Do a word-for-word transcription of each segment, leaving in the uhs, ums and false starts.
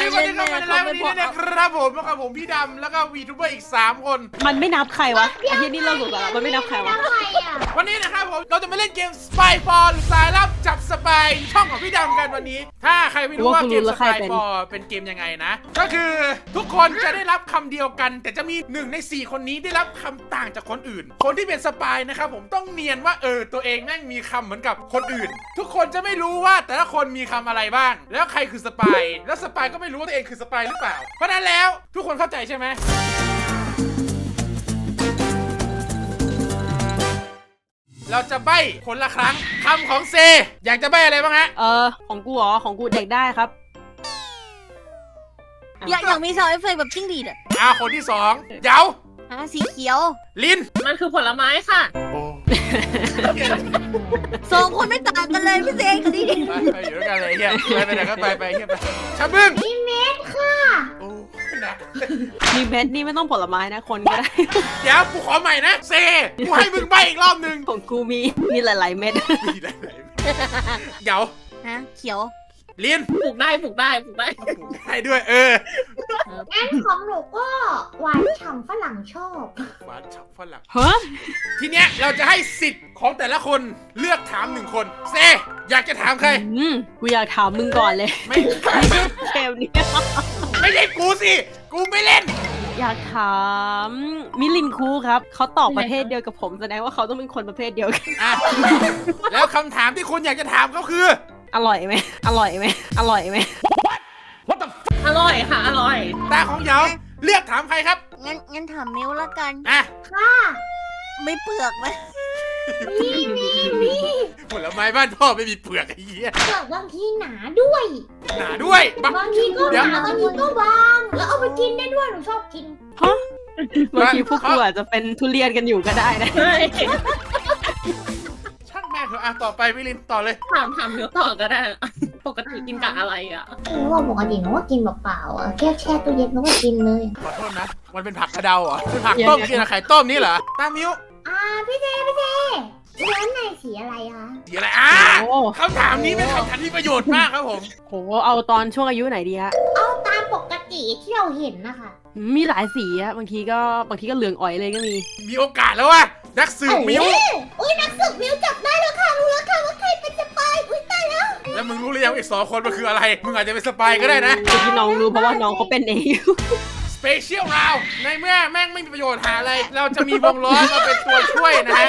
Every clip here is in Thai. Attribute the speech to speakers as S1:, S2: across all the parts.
S1: ทุกคนที่เข้ามาในไลฟ์วันนี้นะครับผมแล้วก็ผมพี่ดำแล้วก็วีทูเบอร์อีกสามคน
S2: มันไม่นับใครวะไอ้ที่นี่เราถูกแล้วมันไม่นับใครวะ
S1: วันนี้นะครับผมเราจะมาเล่นเกม Spy for หรือสายลับจับสปายช่องของพี่ดำกันวันนี้ถ้าใครไม่รู้ว่าเกม Spy for เป็นเกมยังไงนะก็คือทุกคนจะได้รับคำเดียวกันแต่จะมีหนึ่งในสี่คนนี้ได้รับคำต่างจากคนอื่นคนที่เป็นสปายนะครับผมต้องเนียนว่าเออตัวเองแม่งมีคำเหมือนกับคนอื่นทุกคนจะไม่รู้ว่าแต่ละคนมีคำอะไรบ้างแล้วใครคือสปายแล้วสปายก็ไม่รู้ว่าตัวเองคือสปายหรือเปล่าเพราะนั้นแล้วทุกคนเข้าใจใช่ไหมเราจะใบ้คนละครั้งคำของเซอยากจะใบ้อะไรบ้างฮะ
S2: เออของกูเหรอของกูเด็กได้ครับ
S3: อยากอยากมีซาวด์เอฟเฟกต์แบบจิ้งหรีดอ่ะ
S1: อ่าคนที่สองเย้า
S3: อ่าสีเขียว
S1: ลิน
S4: มันคือผลไม้ค่ะ
S1: โอ้
S3: สองคนไม่ต่างกันเลยพี่เซนกับลิน
S1: ไปไปอยู่ด้วยกันเลยเฮียไปไปไหนก็ไปไปเฮียไปชาบึ้ง
S3: มีเม็ดค่ะ
S1: โอ้หนัก
S2: มีเม็ดนี่ไม่ต้องผลไม้นะคนก็ได้
S1: เดี๋ยวกูขอใหม่นะเซกูให้มึงใบ้อีกรอบนึง
S2: ของกูมีมีหลายๆเม็ด
S1: มีหลายๆเม็ดเดี๋ยว
S3: ฮะเขียว
S1: ลิน
S4: ปลูกได้ปลูกได้ปลูกได้
S1: ปลูกได้ด้วยเออ
S5: งั้นของหนูก็หวานฉ่ำฝรั่งชอบ
S1: หวานฉ่ำฝรั่ง
S2: ฮะ
S1: ทีเนี้ยเราจะให้สิทธิ์ของแต่ละคนเลือกถามหนึ่งคนเซอยากจะถามใคร
S2: อืมกูอยากถามมึงก่อนเลย
S1: ไม่
S2: เกมนี้
S1: ไม่ใช่กูสิกูไม่เล่น
S2: อยากถามมิลินคูครับเขาตอบประเภทเดียวกับผมแสดงว่าเขาต้องเป็นคนประเภทเดียวกัน
S1: อ่ะแล้วคำถามที่คุณอยากจะถามเขาคือ
S2: อร่อยไหมอร่อยไหมอร่อยไหม
S1: What the
S4: อร่อยค่ะอร่อย
S1: ตาของเหยาเลือกถามใครครับ
S3: งั้นงั้นถามมิวละกัน
S1: อ่ะ
S5: ค่ะ
S3: ไม่เปลือกไหม
S5: มีมีมี
S1: ผลไม้บ้านพ่อไม่มีเปลือกไอ้เหี้ย
S5: เปลือกบางทีหนาด้วย
S1: หนาด้วย
S5: บางทีก็หนาบางทีก็บางแล้วเอาไปกินได้ด้วยหนูชอบกิน
S2: ฮะบางทีพวกกูอาจจะเป็นทุเรียนกันอยู่ก็ได้นะ
S1: แม่เถอะอ่ะต่อไปวิลินต่อเลย
S4: ถามถามเดี๋ยวต่อก็ได้ปกติกินกับอะไรอ่ะ
S5: หนูว่าปกติหนูว่ากินเปล่าๆอ่ะแค่แช่ตู้เย็นหนูก็กินเลย
S1: ขอโทษนะมันเป็นผักกระเดาเหรอเป็นผักต้มกินกับไข่ต้มนี่เหรอตามิว
S5: อ่าพี่เจพี่เจร้านไหนสีอะไรคะ
S1: สีอะไรอ่ะคำถามนี้เป็นคำถามที่ประโยชน์มากครับผม
S2: โหเอาตอนช่วงอายุไหนดีฮะ
S5: เอาตามปกติที่เราเห็นนะคะ
S2: มีหลายสีอะบางทีก็บางทีก็เหลืองอ่อยเลยก็มี
S1: มีโอกาสแล้วว่ะนักสืบมิว
S5: อุ้ยนักสืบมิวจับได้แล้วค่ะรู้แล้วค่ะว่าใครเป็นสปายอุ้ยตายแล้ว
S1: แล้วมึงรู้หรือยังอีกสองคนมันคืออะไรมึงอาจจะเป็นสปายก็ได้นะ
S2: ที่น้องรู้เพราะว่าน้องเขาเป็นเอง
S1: สเปเชียลราวในเมื่อแม่งไม่มีประโยชน์หาอะไรเราจะมีวงล้อมาเป็นตัวช่วยนะฮะ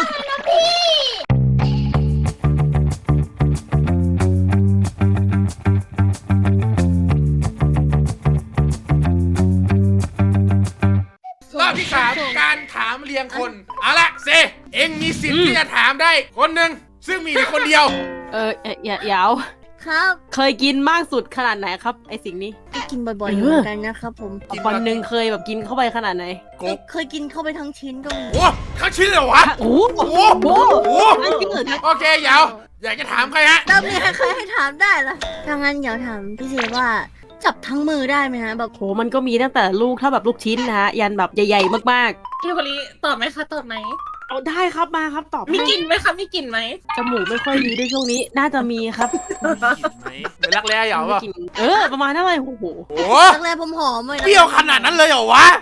S1: รอบที่สามการถามเรียงคนเอาละเซเอ็งมีสิทธิ์ที่จะถามได้คนหนึ่งซึ่งมีคนเดียว
S2: เอออย่าอย่า
S3: ครับ
S2: เคยกินมากสุดขนาดไหนครับไอสิ่งนี้
S3: กินบ่อยๆเหมือนกันนะครับผม
S2: วันหนึ่งเคยแบบกินเข้าไปขนาดไหน
S3: เคยกินเข้าไปทั้งชิ้นก็มี
S1: โอ้ทั้งชิ้นเหรอวะ
S2: โอ้โหโอ้โห
S1: โอเคยาวอยากจะถามใครฮะ
S3: แล้วมีใครให้ถามได้ล่ะถ้างั้นเดี๋ยวถามพี่เจว่าจับทั้งมือได้ไหมฮะแบบ
S2: โหมันก็มีตั้งแต่ลูกถ้าแบบลูกชิ้นนะฮะยันแบบใหญ่ๆมาก
S4: ๆพี่พลีตอบไหมคะตอบไหม
S2: เอาได้ครับมาครับตอบ
S4: มีกลิ่นไหมคะมีกลิ่นไหม
S2: จมูกไม่ค่อยดีด้วยช่วงนี้น่าจะมีครับ
S1: ไม่รักแร้เหรอวะ
S2: เออประมาณนั้นเลยโอ้โห
S3: รักแร้ผมหอมเลย
S1: เปรี้ยวขนาดนั้นเลยเหรอวะ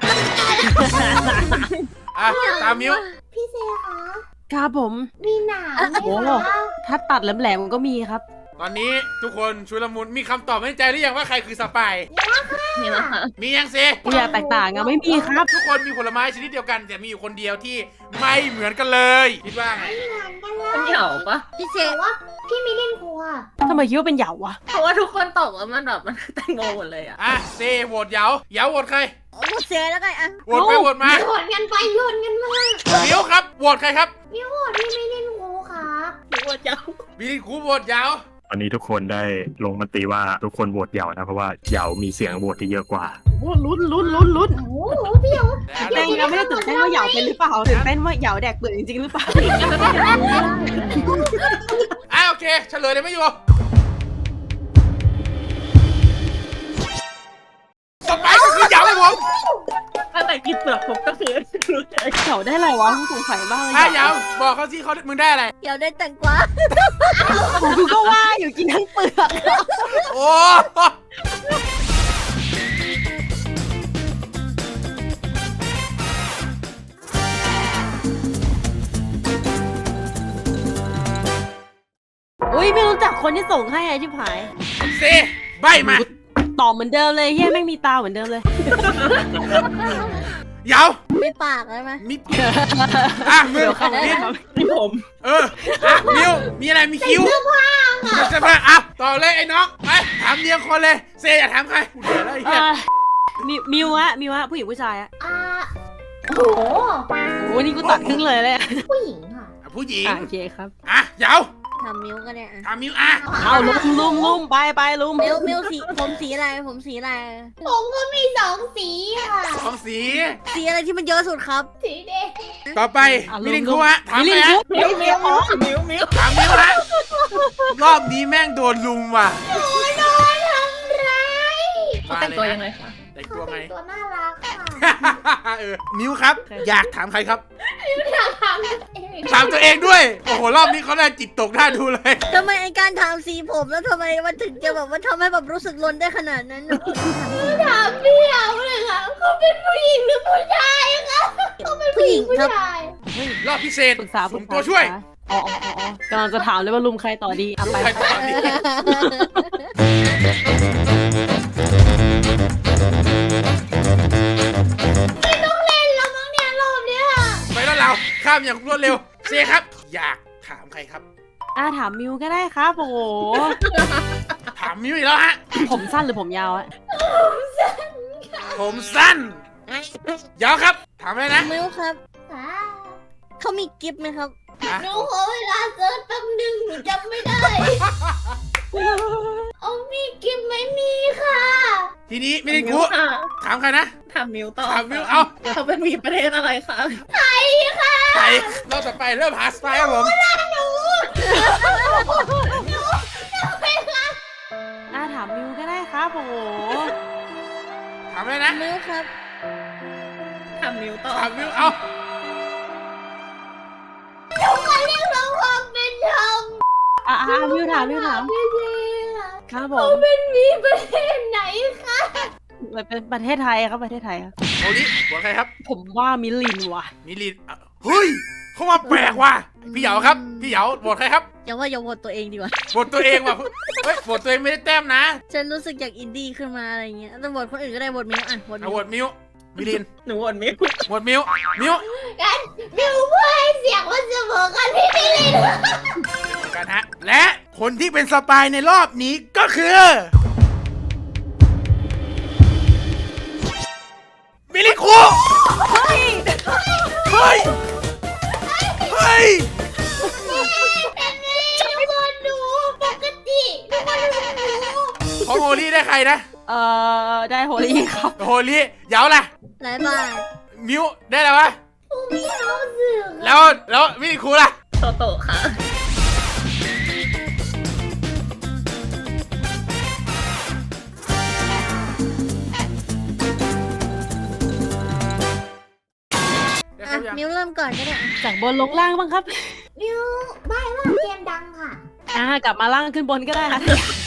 S1: อ่ะตามมิว
S5: พี่เซคะ
S2: ครับผม
S5: มีหนามโอ้
S2: ถ้าตัดแหลมๆมันก็มีครับ
S1: ตอนนี้ทุกคนชุลมุนมีคำตอบในใจหรือยังว่าใครคือสปาย
S4: มีแล้วค่ะ
S1: มียังเซ
S2: กูอยากแตกต่างอะไม่มีครับ
S1: ทุกคนมีผลไม้ชนิดเดียวกันแต่มีอยู่คนเดียวที่ไม่เหมือนกันเลยคิดว่าไง
S4: เป็นเหยาปะ
S5: พี่เซว่าพี่มิลินครัว
S2: ทำไมคิดว่าเป็นเหยาวะ
S4: เพราะว่าทุกคนตอบว่ามันแบบมันแตงโมหมดเลยอะ
S1: อ่ะเซโหวตเหยาเหยาโหวตใคร
S3: โหวตเซแล้วกันอ่ะ
S1: โหวตไปโหวตมา
S5: โหวตกันไปโหวตกันมา
S1: มิวครับโหวตใครครับ
S5: มิวโหวตพี่มิลินครัวครับ
S4: โหวตเหยา
S1: มิลินครัวโหวตเหยา
S6: ตอนนี้ทุกคนได้ลงมติว่าทุกคนโหวตเหยานะเพราะว่าเหยามีเสียงโหวตที่เยอะกว่า
S2: โอ้ลุ้นลุ้นลุ้นลุ้น
S5: โอ้พี่เหยา
S2: แม่ยังไม่ได้ตื่นเต้นว่าเหยาเป็นหรือเปล่าตื่นเต้นว่าเหยาแดกเปลือกจริงๆหรือเปล่า
S1: อ่ะโอเคเฉลยเลยไม่อยู่สปายก็คือเหยาเลยผม
S4: ตั้งแต่กินเปลือกผมก็คือรู้ใจ
S2: เหยาได้อะไรวะสงสัยมากเลย
S1: อ่ะเหยาบอกเขาสิเขามึงได้อะไร
S3: เหยาได้แตงกวา
S2: กูก็ว่าอยู่กินทั้งเปลือก
S1: โอ้
S2: คนที่ส่งให้ไอ้ชิบหาย
S1: เซใบมา
S2: ตอบเหมือนเดิมเลยเฮียแม่งมีตาเหมือนเดิมเลย
S1: เหยาว
S3: ไม่ปากเลยไหม
S1: มีอ่ะมึง
S2: เดี๋ยวเข้า
S1: มิ้น
S2: ครับ
S4: นี่ผม
S1: เอออ่ะมิวมีอะไรมีคิ้วเสื้อผ้าอ่ะต่อเลยไอ้น้องไปถามเดียวคนเลยเซอย่าถามใครกูเดือดแล้วไอ้
S2: เอ
S1: เหี้ย
S2: อมิวมิวฮะมิวฮะผู้หญิงผู้ชายอะ
S5: อ่าโอ้โห
S2: โอ้นี่กูตัดครึ่งเลยเลยอะ
S5: ผู้หญิงค่ะ
S1: อ่ะผู้หญิง
S2: อ่ะโอเคครับ
S1: อ่ะเหยาว
S3: ทำมิ้วก็ได้อะ
S1: ถามมิวอ่ะ
S2: เอาลุมลุมลุมไปไปลุม
S3: มิ้วมิ้วสีผมสีอะไรผมสีอะไร
S5: ผมก็มีสองสีค่ะ
S1: สองสี
S3: สีอะไรที่มันเยอะสุดครับ
S5: สีแดง
S1: ต่อไป
S2: อ่ะ
S1: มิลินคูฮะถาม
S2: มิ
S1: ไป
S2: ลิน
S1: ฮะ
S2: คุ
S4: มิวมิวมิวมิว
S1: ถามมิวฮะรอบนี้แม่งโดนลุมว่ะ
S5: หนูโดนทำร้าย
S4: เขาแต่งตัวยังไงคะ
S1: แต่ง
S5: เขา
S1: ตัวไง
S5: เป็นตัวน่ารักค่ะ
S1: เออมิวครับ อยากถามใครครับ
S5: อยากทำเอง
S1: ถามตัวเองด้วย โอ้โห รอบนี้เขาได้จิตตกน่าดูเลย
S3: ทำไมไอการถามสีผมแล้วทำไมมันถึงจะแบบว่าทำให้แบบรู้สึกลนได้ขนาดนั้นน่ะ
S5: ถามพี่เอาเลยค่ะเขาเป็นผู้หญิงหรือผู้ชายคะเขาเป็นผู้หญิงผู้ชาย
S1: รอบพิเศษ
S2: ปรึกษา
S1: ผมตัวช่วย
S2: อ๋ออ๋ออ๋ออ๋อกำลังจะถามเลยว่าลุมใครต่อดีเอาไป
S1: ใครต่อดี
S5: ไม่ต้องเล่นแล้วมั้งเนี่ยรอบเนี้ย
S1: ไปแล้วเราข้ามอย่างรวดเร็วเซครับ อยากถามใครครับ
S2: อ่ะถามมิวก็ได้ครับโอ้โห
S1: ถามมิวอีกแล้วฮะ
S2: ผมสั้นหรือผมยาวอะ
S1: ผมสั้นยาวครับ ถามอะไรนะ
S3: มิ้วครับ
S5: อ่า
S3: เขามีกิฟต์ไหมครับ
S1: อ่ะ
S5: หนูขอเวลาเซิร์ชแป๊บนึงหนูจำไม่ได้เอามีกิมไม่มีค่ะ
S1: ทีนี้มิลินคุ
S4: ค่ะ
S1: ถามใครนะ
S4: ถามมิวต่อ
S1: ถามมิวเอา
S4: เขาเป็นมีประเทศอะไรคะ
S1: ใครรอบต่อไปเริ่มหาสไตล์ครับผม
S5: หนู
S2: อ่ะถามมิวก็ได้ครับโอ้โห
S1: ถามอะไรนะ
S3: มิ้วครับ
S4: ถามมิวต่อ
S1: ถามมิวเอา
S5: หนูมาเรียกร้องความเป็นธรรม
S2: อ่ะอ่ะมิวถามมิวถาม
S5: พี่เจค่ะ
S2: ครับผ
S5: เขา
S2: ม
S5: เป็นมีประเทศไหนคะ
S2: มันเป็นประเทศไทยครับประเทศไทยครับ
S1: โอลิหัวใครครับ
S2: ผมว่ามิลินว่ะ
S1: มิลินอ่ะเฮ้ย เขามาแปลกว่ะ พี่เหยาครับ พี่เหยาโหวตใครครับ
S3: อย่าว่าอย่าโหวตตัวเองดีกว่า
S1: โหวตตัวเองว่ะ เฮ้ยโหวตตัวเองไม่ได้แต้มนะ
S3: ฉันรู้สึกอยากอินดี้ขึ้นมาอะไรเงี้ยแต่โหวตคนอื่นก็ได้โหวตมิ้วอ่ะโหวต
S1: เอา
S3: มิ้
S1: โห
S3: ว
S1: วตมิว มิลิน
S4: หนูวนมิว
S1: โหวตมิว มิว
S5: กันมิวเพื่อให้เสียงมันเสมอกันพี่มิลิน
S1: กันฮะ และคนที่เป็นสปายในรอบนี้ก็คือ มิลินคุเฮ้ย เฮ้ย เฮ้ย
S5: เป็นไงทุกคนหนูปกติทุกคนหนู
S1: ของโฮลี่ได้ใครนะ
S2: เอ่อได้โฮลี่ครับ
S1: โฮลี่เหยาล่ะ
S3: หลายบาท
S1: มิวได้แล้ววะ
S5: หนูไม่เอาสื่อ
S1: แล้ว แล้วมิลินคุล่ะ
S4: โตโตค่ะ
S1: ได้ค
S3: อ่ะ
S1: รบยัง
S3: มิ้วเริ่มก่อนก็ได้อ่ะ
S2: จากบนลงล่างบ้างครับ
S5: มิวใบ้ว่าเกมดังค่ะ
S2: อ่ากลับมาล่างขึ้นบนก็ได้ค่ะ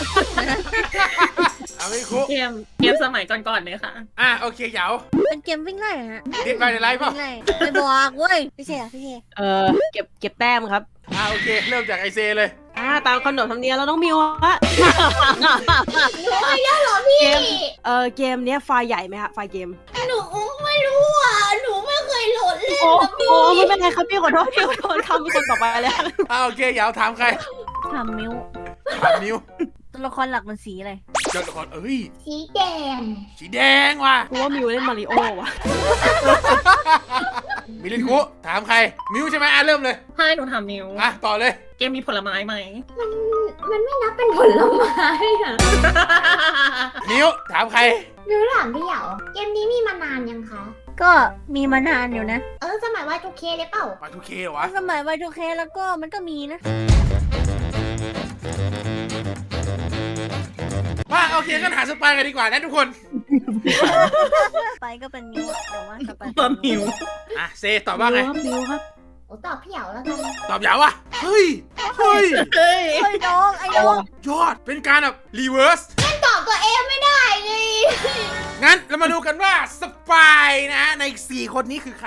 S1: เอามิลินคุ
S4: เกมเกมสมัยก่อนๆเลยค่ะ
S1: อ่ะโอเคเหยา
S3: เป็นเกมวิ่งไล่เหรอฮะ
S1: ดิดไปในไลฟ์เปล่า
S3: วิ่งไล่ไม่บอกเว้ยพี่เชยพี่เชย
S2: เออเก็บเก็บแต้มครับ
S1: อ่ะโอเค เริ่มจากไอเซเลย
S2: อ่าตามขนบธรรมเนียมเราต้องมิวฮะ
S5: หนูไม่ได้เหรอพี่
S2: เกม เออเกมเนี้ยไฟล์ใหญ่ไหมฮะไฟล์เกม
S5: หนูไม่รู้อ่ะ หนูไม่เคยโหลดเล่น
S2: โอ้
S5: นะพี่
S2: โหไม่เป็นไรครับพี่ขอโทษพี่ขอโทษครับมีคนต่อไปเลย
S1: อ่ะโอเคเหยาถามใคร
S3: ทำมิ้ว
S1: ถามมิว
S3: ตัวละครหลักมันสีอะไร
S1: เจ้าละครเอ้ย
S5: สีแดง
S1: สีแดงว่ะ
S2: กูว่ามิวเล่นมาริโอว่ะ
S1: มิลินคุถามใคร มิวใช่ไหมอ่ะเริ่มเลย
S4: ให้หนูถามมิว
S1: อ่ะต่อเลย
S4: เกมมีผลไม้ไหม
S5: มันมันไม่นับเป็นผลไม้อ่ะ
S1: มิวถามใคร
S5: มิวถามพี่เหยาเกมนี้มีมานานยังคะ
S3: ก็มีมานานอยู่นะ
S5: เออสมัยวายทูเคเลยเปล่า
S1: มาทูเคเหรอวะ
S3: สมัยวัยทูเคแล้วก็มันก็มีนะ
S1: ว่าโอเคก็หาสปายกันดีกว่านะทุกคน
S3: ไปก็เป็นมิ้วอะแต่ว่าจะไป
S4: ตอนมิว
S1: อ่ะเซตอบว่าไง
S2: มิวครับมิวครับ
S5: โอ้ตอบพี่เหยาแล้วกัน
S1: ตอบยาวว่ะ เฮ้ย เฮ้ย
S4: เฮ้ย
S3: เฮ้ยน้องไอ้น้อง
S1: ยอด เป็นการแบบรีเวิร์ส
S5: ตอบตัวเองไม่ได้ไง
S1: งั้นเรามาดูกันว่าสปายนะในสี่คนนี้คือใคร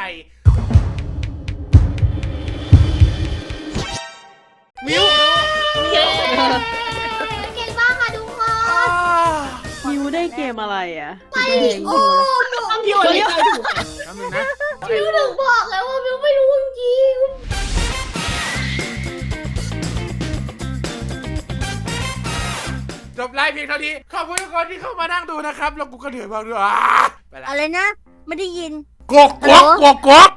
S1: มิว
S4: เย้
S2: มิวได้เกมอะไรอ่ะ
S5: ไม่โอ้
S4: พี่วันนี้เคยถูก
S1: แป๊บนึงนะ
S5: มิวถึงบอกแล้วว่ามิวไม่รู้จริง
S1: จบไลฟ์เพียงเท่านี้ขอบคุณทุกคนที่เข้ามานั่งดูนะครับแล้วกูก็เหนื่อยมากด้วยอ่ะไปละ
S3: อะไรนะ ไม่ได้ยิน
S1: กกกกกกก